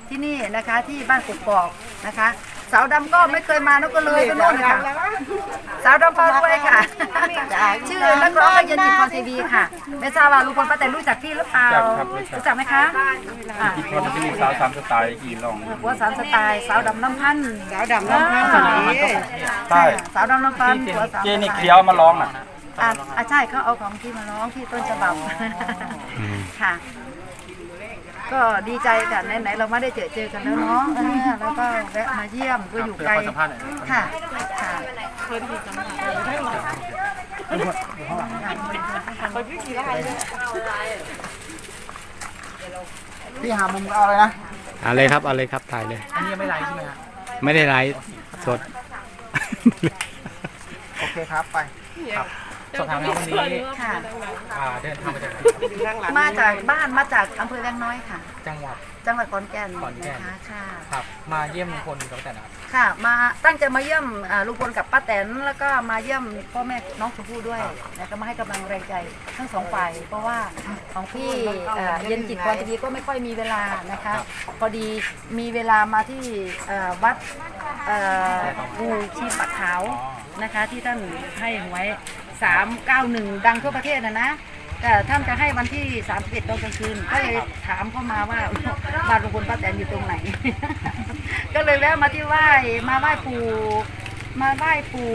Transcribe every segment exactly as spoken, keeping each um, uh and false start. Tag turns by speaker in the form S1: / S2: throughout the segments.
S1: ที่นี่นะคะที่บ้านกกอกนะคะสาวดำก็ไม่เคยมาน้องก็เลยไปโน่นค่ะสาวดำพารวยค่ะชื่อนักร้องก็เย็นจิตพรทีวีค่ะไม่ทราบว่าลุงพลป้าแต่รู้จักพี่หรือเปล่ารู้จักไหมคะ
S2: กี่คนจะมีสาวสามสไตล์กี่ลอง
S1: หัวสามสไตล์สาวดำน้ำพัน
S3: สาวดำน้ำพัน
S2: ใช่
S1: สาวดำน้ำพันหัวสาม
S2: เจนี่เคี้ยวมาร้องอ่ะ
S1: อ่าใช่เขาเอาของที่มาร้องที่ต้นฉบับค่ะก็ดีใจค่ะไหนๆเราไม่ได้เจอเจอกันแล้วเนาะแล้วก็แวะมาเยี่ยมก็อยู่ไกลค่ะค่ะเคยมีสัมภาษณ์
S3: พี่หามุมเอาเลยนะ
S4: เอาเลยครับเอาเลยครับถ่ายเลย
S3: อันนี้ยังไม่ไลฟ์ใช่ไหมครับ
S4: ไม่ได้ไลฟ์สด
S3: โอเคครับไปครับสอบถามวันนี้
S1: ค่ะ
S3: เดินทางมาจาก
S1: มาจากบ้านมาจากอำเภอแวงน้อยค่ะ
S3: จังหวัด
S1: จังหวัดขอนแก่นนะคะค่ะ
S3: ครับมาเยี่ยมลุงพลกับป้าแตนครับ
S1: ค่ะมาตั้งใจมาเยี่ยมลุงพลกับป้าแตนแล้วก็มาเยี่ยมพ่อแม่น้องชมพู่ด้วยแล้วก็มาให้กำลังแรงใจทั้งสองฝ่ายเพราะว่าของพี่เย็นจิตพรทีวีก็ไม่ค่อยมีเวลานะคะพอดีมีเวลามาที่วัดปูชีปะขาวนะคะที่ท่านให้ไว้สามเก้าหนึ่งดังทั่วประเทศนะนะแต่ท่านจะให้วันที่สามสิบเอ็ดตอนกลางคืนก็เลยถามเข้ามาว่าบ้านลุงพลป้าแตนอยู่ตรงไหน ก็เลยแวะมาที่ไหว้มาไหว้ปู่มาไหว้ปู่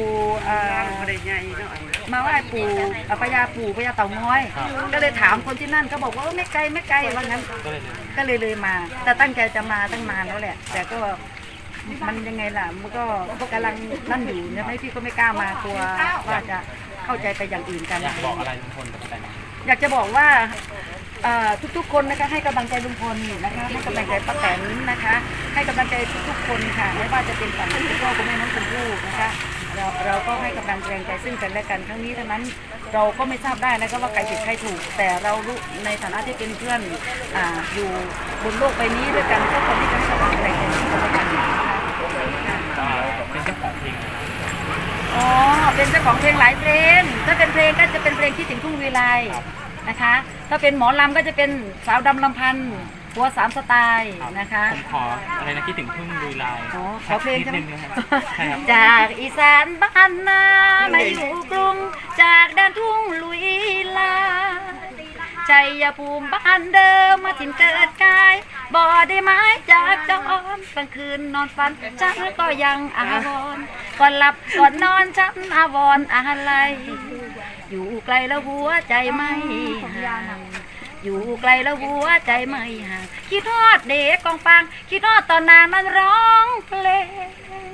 S1: มาไหว้ปู่พญาปู่พญาเต่างอยก็เลยถามคนที่นั่นเขาบอกว่าไม่ไกลไม่ไกลว่างั้นก็เลยเลยมาแต่ตั้งใจจะมาตั้งนานแล้วแหละแต่ก็มันยังไงล่ะมันก็พวกกำลังนั่นอยู่นะพี่ก็ไม่กล้ามากลัวว่าจะเข้าใจไปอย่างอื่นกัน
S3: อยากบอกอะไรลุงพลกับป้าแตน
S1: อยากจะบอกว่าทุกๆคนนะคะให้กำลังใจลุงพลนะคะให้กำลังใจป้าแตนนะคะให้กำลังใจทุกๆคนค่ะไม่ว่าจะเป็นฝั่งคุณพ่อคุณแม่น้องชมพู่นะคะเราเราก็ให้กำลังใจซึ่งกันและกันครั้งนี้ทั้งนั้นเราก็ไม่ทราบได้นะคะว่าใครผิดใครถูกแต่เรารู้ในฐานะที่เป็นเพื่อนอยู่บนโลกใบนี้ด้วยกันก็คนที่จะให้กำลังใจกันซึ่งกันและกันนะคะ
S3: เป็นเจ้าของเพลง
S1: อ๋อเป็นเจ้าของเพลงหลายเพลงถ้าเป็นเพลงก็จะเป็นเพลงคิดถึงทุ่งวีไลนะคะถ้าเป็นหมอลำก็จะเป็นสาวดำลำพันธ์หัวสามสไตล์นะคะ
S3: ผมขออะไรนะคิดถึงทุ่งลุยลาย
S1: อ๋อขอเพลงใช่ไหมจากอีสานบ้านนามาอยู่กรุงจากแดนทุ่งลุยลายชัยภูมิบ้านเดิมมาถิ่นเกิดกายบ่ได้ไม้จากจอมกลางคืนนอนฝันฉันก็ยังอาวรก่อนหลับก่อนนอนฉันอาวรอะไรอยู่ไกลแล้วหัวใจไม่ห่างอยู่ไกลแล้วหัวใจไม่ห่างคิดทอดเด็กกองฟังคิดทอดตอนนางมันร้องเพลง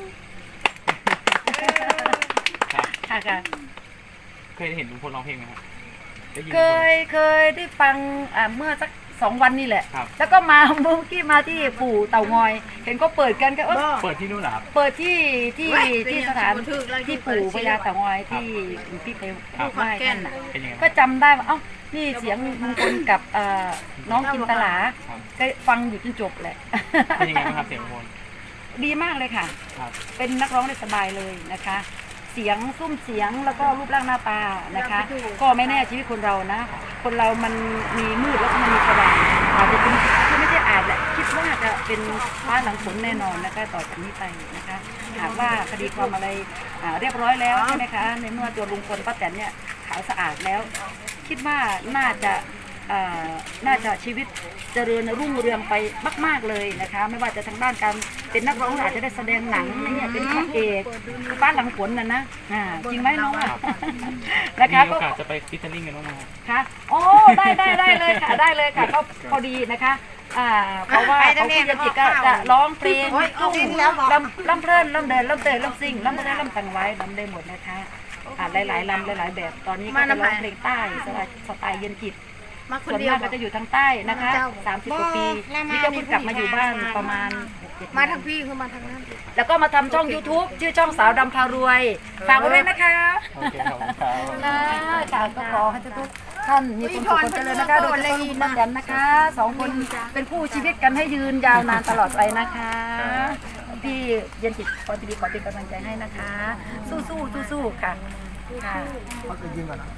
S1: ค่ะค่ะ
S3: เคยเห็นลุงพลร้องเพลงไหมครับ
S1: เคยเคยได้ฟังเมื่อสักสองวันนี่แหละแล้วก็มาเมื่อกี้มาที่ปู่เต่างอยเห็นก็เปิดกันก็
S3: เปิดที่นู่นเหรอครับ
S1: เปิดที่ที่ที่สถานที่ปู่พญาเต่างอยที่พี่ไปไหว้ท่านน่ะก็จำได้ว่าเอ้านี่เสียงลุงพลกับน้องจินตลาก็ฟังอยู่จนจบแหละ
S3: เป็นยังไงบ้างครับเสียงลุงพล
S1: ดีมากเลยค่ะเป็นนักร้องได้สบายเลยนะคะเสียงซุ้มเสียงแล้วก็รูปร่างหน้าตานะคะก็ไม่แน่ชีวิตคนเรานะคนเรามันมีมืดแล้วก็มันมีสว่างอาจจะเป็นที่ไม่ใช่อาจแหละคิดว่าจะเป็นฟ้าหลังฝนแน่นอนนะคะต่อจากนี้ไปนะคะหากว่าคดีความอะไรเรียบร้อยแล้วใช่ไหมคะในเมื่อตัวลุงพลป้าแตนเนี่ยขาวสะอาดแล้วคิดว่าน่าจะน่าจะชีวิตเจริญรุ่งเรืองไปมากๆเลยนะคะไม่ว่าจะทางด้านการเป็นนักร้องอาจจะได้แสดงหนังเนี่ยเป็นพระเอกฟ้าหลังฝนน่ะนะจริงไหมน้อง
S3: นะคะก็จะไปฟิชเชอร์ลิงกันน้อง
S1: ค่ะโอ้ได้ได้ได้เลยค่ะได้เลยค่ะก็พอดีนะคะเพราะว่าเขาพี่จิตก็จะร้องเพลงลำลำเพลินลำเดินลำเตยลำซิ่งลำเพลินลำตังไว้ลำได้หมดนะคะหลายหลายลำหลายหลายแบบตอนนี้ก็จะร้องเพลงใต้สไตล์เย็นจิตส่วนมากก็จะอยู่ทางใต้นะคะสามสิบกว่าปีนี่ก็เพิ่งกลับมาอยู่บ้านประมาณ
S5: มาทางพี่คือมาทางนั้น
S1: แล้วก็มาทำช่อง ยูทูบ ชื่อช่องสาวดำพารวยฝากไว้ด้วยนะคะนะค่ะก็ขอให้ทุกท่านมีความสุขความเจริญนะคะโดยเฉพาะลุงป้าแตนนะคะสองคนเป็นคู่ชีวิตกันให้ยืนยาวนานตลอดไปนะคะพี่เย็นจิตพรทีวีขอเป็นกำลังใจให้นะคะสู้สู้สู้สู้ค่ะค่ะ
S3: เขาจะยิงก่อน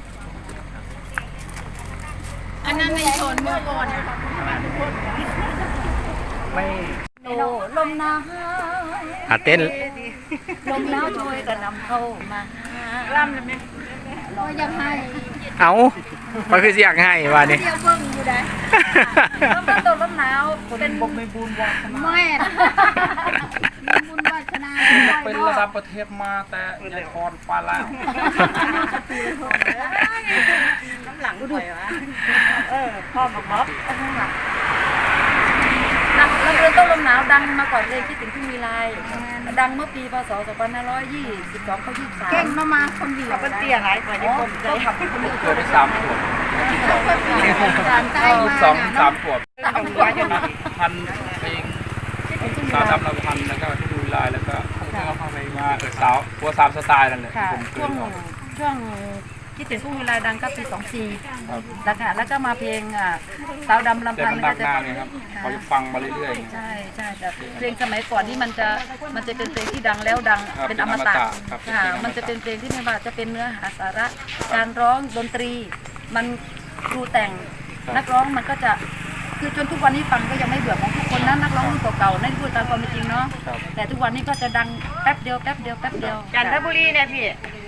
S5: อันนั้นในโซนเมื่อก่อน
S3: ไม่
S1: ลมหนาว
S4: อ่ะเต้น
S1: ลมหนาวช่วยกระนำเข้ามาล่ำเลยไหม
S5: ก็ยังให้
S4: เอามันคือเสียงให้ว่านี่
S5: เดียวเบิ่งอยู่ได้
S1: ลมหนาวตัวลมหนาวเป็นบกไม่บุญวาสนา
S5: แม่นะมีบุญวาสนา
S2: เป็นระดับประเทศมาแต่ในครปลาแล้ว
S1: น้ำหลังดูวะเออพ่อบอกม็อบดังแล้วเรื่องต้นลมหนาวดังมาก่อนเลยคิดถึงทุ่งมีลายดังเมื่อปีพศสองพันห้าร้อยยี่สิบสองเขายี่สิบสาม
S5: เก่งมามาคนเดียว
S1: เป็นเตี้ยหลายกว่านี้คนก็ขับคนอื่น
S2: เกิดได้สามขวบ
S5: การใจ
S2: ลูก
S5: มา
S2: สอง
S5: น่ะ
S2: สามขวบ
S1: ตามหัวอยู่
S2: พันเพลงสาวดำเราพันแล้วก็ดูลายแล้วก็เอาเข้าไปมาเออสาวหัวสามสไตล์นั่นแหละ
S1: ค่ะ
S2: ผมเกิ
S1: ช่วง
S2: นออก
S1: ช่วงคิดถึงทุ่งมีลายดังก็ปีสองสี่แล้วค่ะแล้วก็มาเพลงอ่ะสาวดำลำ
S2: แต่
S1: พัน
S2: มันดังหน้าไงครับเขาจะฟังมาเรื่อยๆไง
S1: ใช่ใช่แต่เพลงสมัยก่อนนี่มันจะมันจะเป็นเพลงที่ดังแล้วดัง
S2: ครับ
S1: เป็นอมตะ
S2: เป็นอมตะครับ
S1: ค่ะ
S2: เป็นอมตะ
S1: มันจะเป็นเพลงที่ไม่ว่าจะเป็นเนื้อหาสาระการร้องดนตรี มันครูแต่งนักร้องมันก็จะคือจนทุกวันนี้ฟังก็ยังไม่เบื่อของทุกคนนะนักร้องรุ่นเก่าๆนั่นพูดตามความเป็นจริงเนาะ
S2: ครับ
S1: แต่ทุกวันนี้ก็จะดังแป๊บเดียวแป๊บเดียวแป๊บเดียว
S6: จันทบุรีเนี่ยพี่